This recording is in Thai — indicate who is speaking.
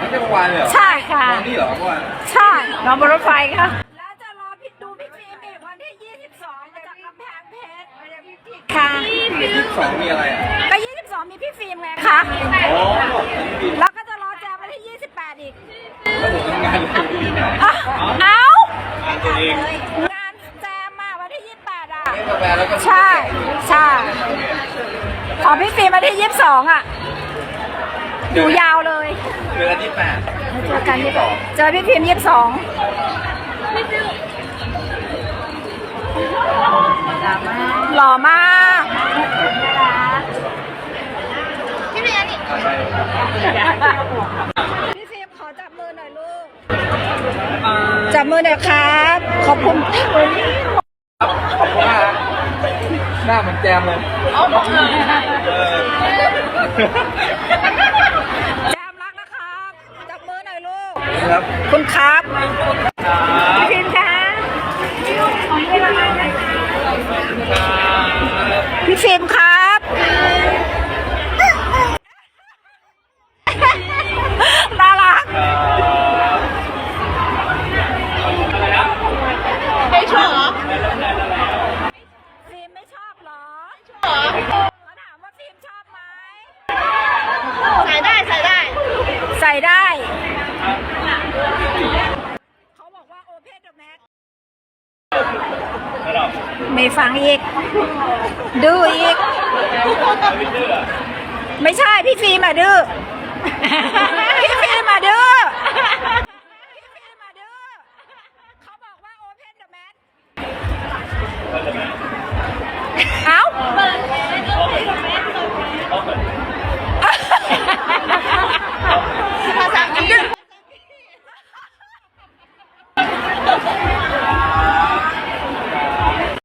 Speaker 1: ไม่ใช่เมื่อวานเลยเหรอ
Speaker 2: ใช่ค่ะ
Speaker 1: วันนี้เหรอเมื่อวาน
Speaker 2: ใช่นอนบนรถไฟค่ะแล้วจะรอพี่ดูพี่ฟิล์มอีกวันที่22มาจากกำแพงเพชรค่ะ
Speaker 1: 22มีอะไรอ่ะ
Speaker 2: ก็22มีพี่ฟิล์มไงคะ
Speaker 1: โอ้
Speaker 2: แล้วก็จะรอแจมวันที่28อีก
Speaker 1: แล้วผมทำงานอยู่ที่ไหน
Speaker 2: เอ้า
Speaker 1: งานตัวเอง
Speaker 2: งานแจมมาวันที่28อ่ะ
Speaker 1: กาแฟแล้วก็
Speaker 2: ใช่ใช่ของพี่ฟิล์มวันที่22อ่ะอยู่ยาวเลย
Speaker 1: เดือนที่8
Speaker 2: เจอกันที่เจอพี่พิมพ์22หล่อมากพี่พิมพ์พี่พิมพ์ขอจับมือหน่อยลูกจับมือหน่อยครับขอบคุณ
Speaker 1: ครับขอบคุณมากครับหน้าเหมือนแจมเลยเออ
Speaker 2: แจมรักนะครับจับมือหน่อยลูก
Speaker 1: ครับ
Speaker 2: คุณครับพี่พิมพ์คะพี่ฟิล์มครับน่ารักไม่ชอบเหรอฟิล์มไม่ชอบเหรอเขาถามว่าฟิล์มชอบไหมใส่ได้ใส่ได้ เขาบอกว่าโอเพนเดอะแม็กไม่ฟังอีก ดื้ออีก ไม่ใช่พี่ฟิล์มอะดื้อ พี่ฟิล์มอะดื้อ